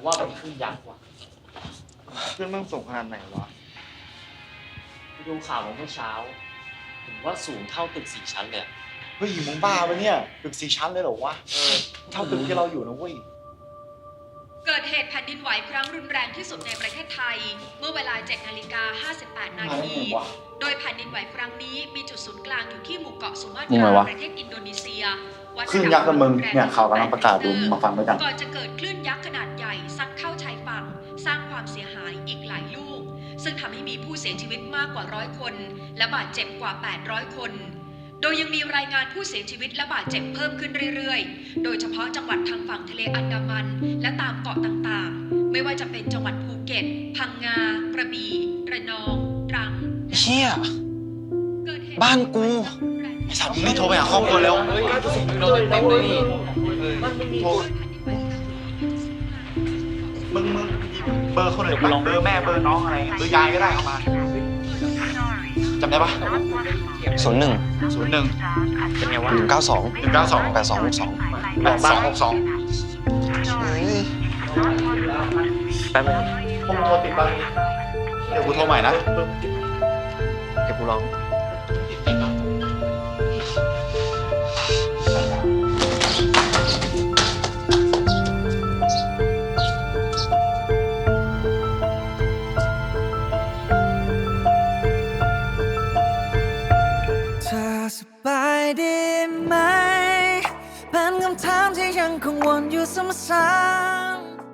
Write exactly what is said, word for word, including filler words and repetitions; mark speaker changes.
Speaker 1: ว่าเป็นคลื่นยักษ์ว่ะ
Speaker 2: เพื่อนมันส่งขนาดไหนวะ
Speaker 1: ไปดูข่าวมาเมื่อเช้าเห็นว่าสูงเท่าตึกสี่ชั้นเลย
Speaker 2: เฮ้ยมึงบ้าปะเนี่ยตึกสี่ชั้นเลยเหรอวะ
Speaker 1: เออ
Speaker 2: เท่าตึกที่เราอยู่นะเว้ย
Speaker 3: เกิดเหตุแผ่นดินไหวครั้งรุนแรงที่สุดในประเทศไทย เมื่อเวลา เจ็ดนาฬิกาห้าสิบแปด นาที โดยแผ่นดินไหวครั้งนี้มีจุดศูนย์กลางอยู่ที่หมู่เกาะสุมาต
Speaker 2: มึงไง
Speaker 3: ราว
Speaker 2: ะ
Speaker 3: ประเทศอินโดนีเซียวัด
Speaker 2: คลื่นยักษ์กับมึงเนี่ยข่าวกำลังประกาศดูมาฟังด้วยกัน
Speaker 3: ก่อนจะเกิดคลื่นยักษ์ขนาดใหญ่ซัดเข้าชายฝั่งสร้างความเสียหายอีกหลายลูก ซึ่งทำให้มีผู้เสียชีวิตมากกว่าร้อยคน และบาดเจ็บกว่า แปดร้อย คน โดยยังมีรายงานผู้เสียชีวิตและบาดเจ็บเพิ่มขึ้นเรื่อยๆ โดยเฉพาะจังหวัดทางฝั่งทะเลอันดามัน และตามเกาะต่างๆ ไม่ว่าจะเป็นจังหวัดภูเก็ต พังงา กระบี่ ระนอง ตรัง
Speaker 4: เชี่ย
Speaker 3: เกิดเหตุ
Speaker 4: บ้านกู
Speaker 2: ไอ้สัตว์มึงนี่โทรไปหาครอบครัวแล้ว
Speaker 1: เฮ้ยโดนเต็มเลยนี่มันไม่มี
Speaker 2: โทรมึงมึงเบอร์คนอื่นปะเบอร์แม่เบอร์น้องอะไรเงี้ยเบอร์ยายก็ได้เอามาจำได้ปะ
Speaker 4: ศูนย์หนึ่ง
Speaker 2: ศูนย์หนึ่ง
Speaker 1: เป็นไงวะ
Speaker 4: หนึ่งเก้าสอง
Speaker 2: หนึ่งเก้าสอง
Speaker 4: แปดสองหกสอง
Speaker 2: แปดสองหกสอง
Speaker 1: แป๊บนึง
Speaker 2: พวกมึงโทรติดบ้างเดี๋ยวกูโทรใหม่นะ
Speaker 1: เดี๋ยวกูลอง
Speaker 5: เธอสบายดีไหมเป็นคำถามที่ยังคงวนอยู่ซ้ำ